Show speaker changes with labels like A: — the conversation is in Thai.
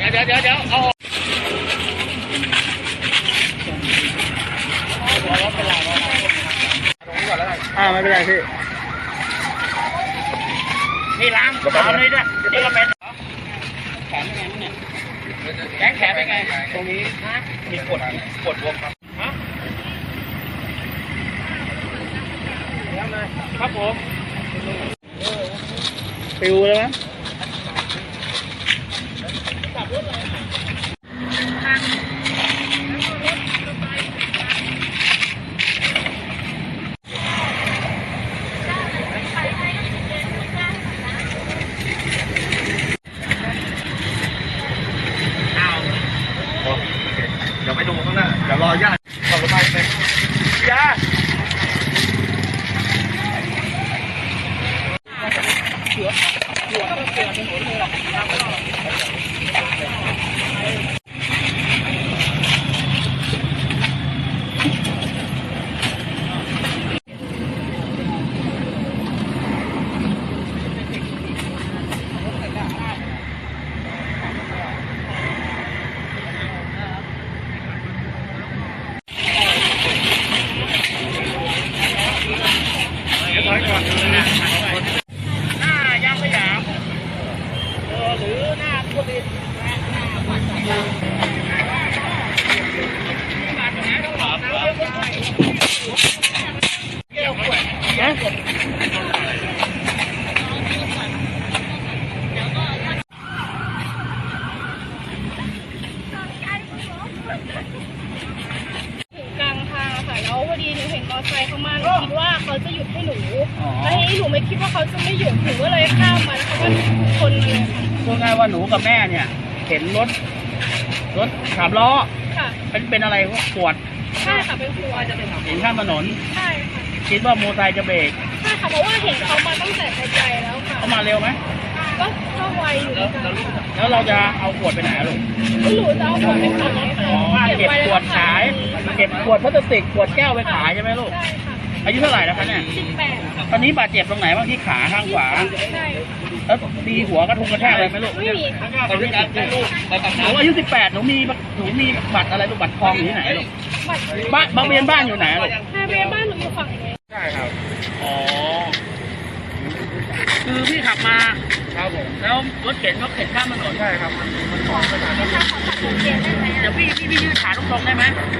A: ดี๋ยวเอา
B: ไม่เป็นไรพี่
A: นี่ล้างเอาเลยด้วยนี่ก็เป็นแขนเป็นไงเนี่ยแขนเป็นไงตรงนี้มีกดบวมครับฮะครับผม
B: ปิวเลยมั้ย
A: เดี๋ยวไปดูข้างหน้าเดี๋ยวรอญาติขับรถไปเลยญาติถอยก่อนหน้ายางสยามหรือหน้าพุทธิ
C: กลางทางค่ะแล้วพอดีหนูเห็นมอเตอร์ไซค์เขามาหนูคิดว่าเขาจะหยุดให้หนูแล้วทีนี้หนูไม่คิดว่าเขาจะไม่หยุดหนูก็เลยข้ามมาแล้วเขาก็ชนมาเลยค่ะ
B: พูดง่ายว่าหนูกับแม่เนี่ยเห็นรถ3 ล้อ
C: ค่ะ
B: เป็นอะไรปวด
C: ใช่ค่ะเป็นครูจะเป็น
B: เห็นข้ามถนน
C: ใช่ค่ะ
B: คิดว่ามอเตอร์ไซค์จะเบรก
C: ใช่ค่ะเพราะว่าเห็นเขามาตั้งแต่ไกลๆแล้วค่ะ
B: เขามาเร็วไหม
C: ก็ไวอยู่กัน
B: แล้วเราจะเอาขวดไปไหนลูก
C: หนูจะเอาขวดไปขายค่ะ
B: เก็บขวดขายเก็บขวดพลาสติกขวดแก้วไปขายใช่ไหมลูก
C: ใช่ค่ะ
B: อายุเท่าไหร่แล้วคะเนี่ย
C: 18
B: ตอนนี้บาดเจ็บตรงไหนบ้างที่ขาข้างขวา
C: ใช่
B: แล้วตีหัวกระทุ้งกระแทกอะไรไหมลูก
C: ไม่มีค่ะ
B: ตอนนี้ลูกหนูอายุ18หนูมีบัตรอะไรลูกบัตรทองอยู่ที่ไหนลูกบ้านทะเบียนบ้านอยู่ไหนลูก
C: ทะเบียนบ้านหนูอยู่ฝั่งนี้
B: ใช่ครับอ๋อคือพี่ขับมาครับผมแล้วรถเข็นข้ามถนนใช่ครับมันขอไปทางนั้นเดี๋ยวพี่ยืดขาตรงๆได้ไหม